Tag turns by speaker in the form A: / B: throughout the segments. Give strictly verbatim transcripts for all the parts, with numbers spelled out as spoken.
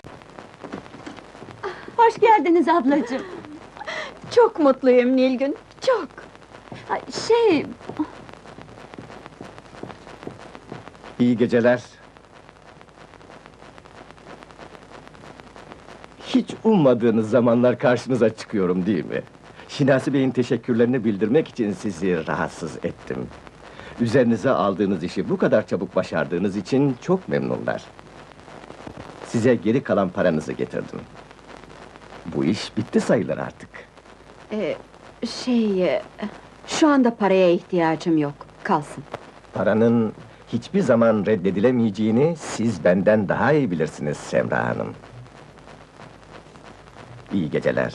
A: Hoş geldiniz ablacığım.
B: Çok mutluyum Nilgün, çok!
A: Ay, Şey,
C: İyi geceler. Hiç ummadığınız zamanlar karşınıza çıkıyorum değil mi? Şinasi Bey'in teşekkürlerini bildirmek için sizi rahatsız ettim. Üzerinize aldığınız işi bu kadar çabuk başardığınız için çok memnunlar. Size geri kalan paranızı getirdim. Bu iş bitti sayılır artık.
B: Ee, şey... e, Şu anda paraya ihtiyacım yok, kalsın.
C: Paranın hiçbir zaman reddedilemeyeceğini siz benden daha iyi bilirsiniz Semra Hanım. İyi geceler.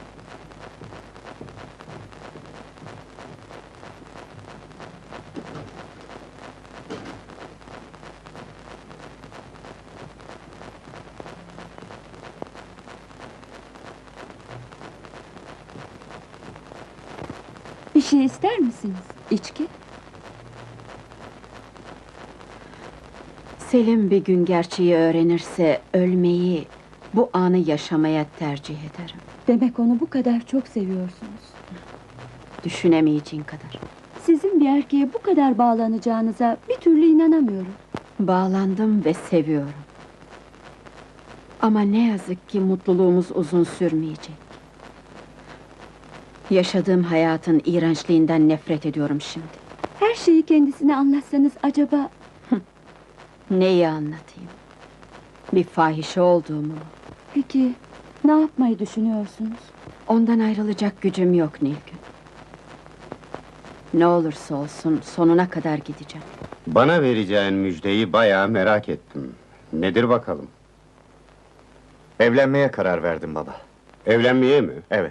A: bir şey ister misiniz?
B: İçki? Selim bir gün gerçeği öğrenirse ölmeyi, bu anı yaşamaya tercih ederim.
A: Demek onu bu kadar çok seviyorsunuz.
B: Düşünemeyeceğin kadar.
A: Sizin bir erkeğe bu kadar bağlanacağınıza bir türlü inanamıyorum.
B: Bağlandım ve seviyorum. Ama ne yazık ki mutluluğumuz uzun sürmeyecek. Yaşadığım hayatın iğrençliğinden nefret ediyorum şimdi.
A: Her şeyi kendisine anlatsanız acaba...
B: Neyi anlatayım? Bir fahişe olduğumu mu?
A: Peki, ne yapmayı düşünüyorsunuz?
B: Ondan ayrılacak gücüm yok Nilgün. Ne olursa olsun sonuna kadar gideceğim.
D: Bana vereceğin müjdeyi bayağı merak ettim. Nedir bakalım?
E: Evlenmeye karar verdim baba.
D: Evlenmeye mi?
E: Evet.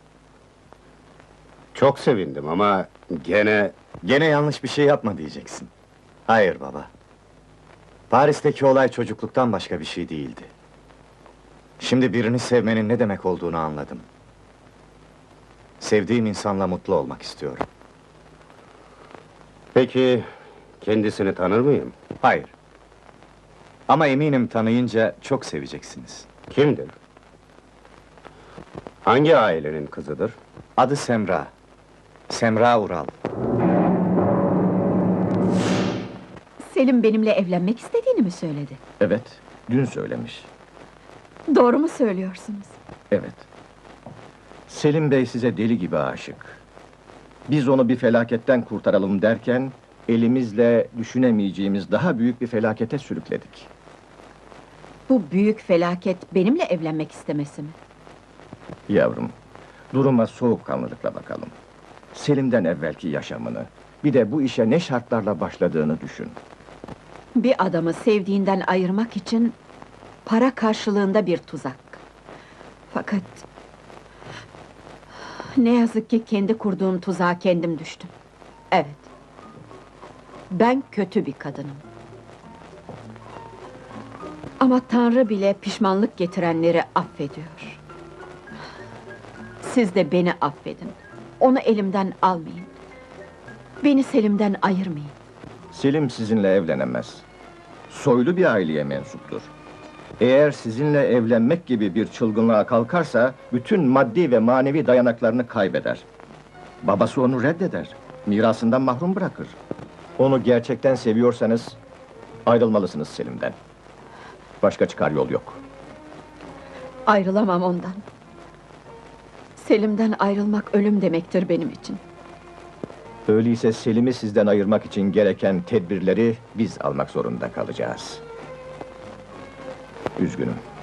D: Çok sevindim ama gene...
E: Gene yanlış bir şey yapma diyeceksin. Hayır baba. Paris'teki olay çocukluktan başka bir şey değildi. Şimdi birini sevmenin ne demek olduğunu anladım. Sevdiğim insanla mutlu olmak istiyorum.
D: Peki, kendisini tanır mıyım?
E: Hayır. Ama eminim tanıyınca çok seveceksiniz.
D: Kimdir? Hangi ailenin kızıdır?
E: Adı Semra. Semra Ural.
B: Selim benimle evlenmek istediğini mi söyledi?
C: Evet, dün söylemiş.
B: Doğru mu söylüyorsunuz?
C: Evet. Selim Bey size deli gibi aşık. Biz onu bir felaketten kurtaralım derken... ...elimizle düşünemeyeceğimiz daha büyük bir felakete sürükledik.
B: Bu büyük felaket benimle evlenmek istemesi mi?
C: Yavrum, duruma soğukkanlılıkla bakalım. Selim'den evvelki yaşamını, bir de bu işe ne şartlarla başladığını düşün.
B: Bir adamı sevdiğinden ayırmak için... ...para karşılığında bir tuzak. Fakat... ...ne yazık ki kendi kurduğum tuzağa kendim düştüm. Evet. Ben kötü bir kadınım. Ama Tanrı bile pişmanlık getirenleri affediyor. Siz de beni affedin. Onu elimden almayın. Beni Selim'den ayırmayın.
C: Selim sizinle evlenemez. Soylu bir aileye mensuptur. Eğer sizinle evlenmek gibi bir çılgınlığa kalkarsa... ...bütün maddi ve manevi dayanaklarını kaybeder. Babası onu reddeder. Mirasından mahrum bırakır. Onu gerçekten seviyorsanız... ...ayrılmalısınız Selim'den. Başka çıkar yol yok.
B: Ayrılamam ondan. Selim'den ayrılmak ölüm demektir benim için.
C: Öyleyse Selim'i sizden ayırmak için gereken tedbirleri... ...biz almak zorunda kalacağız. Üzgünüm.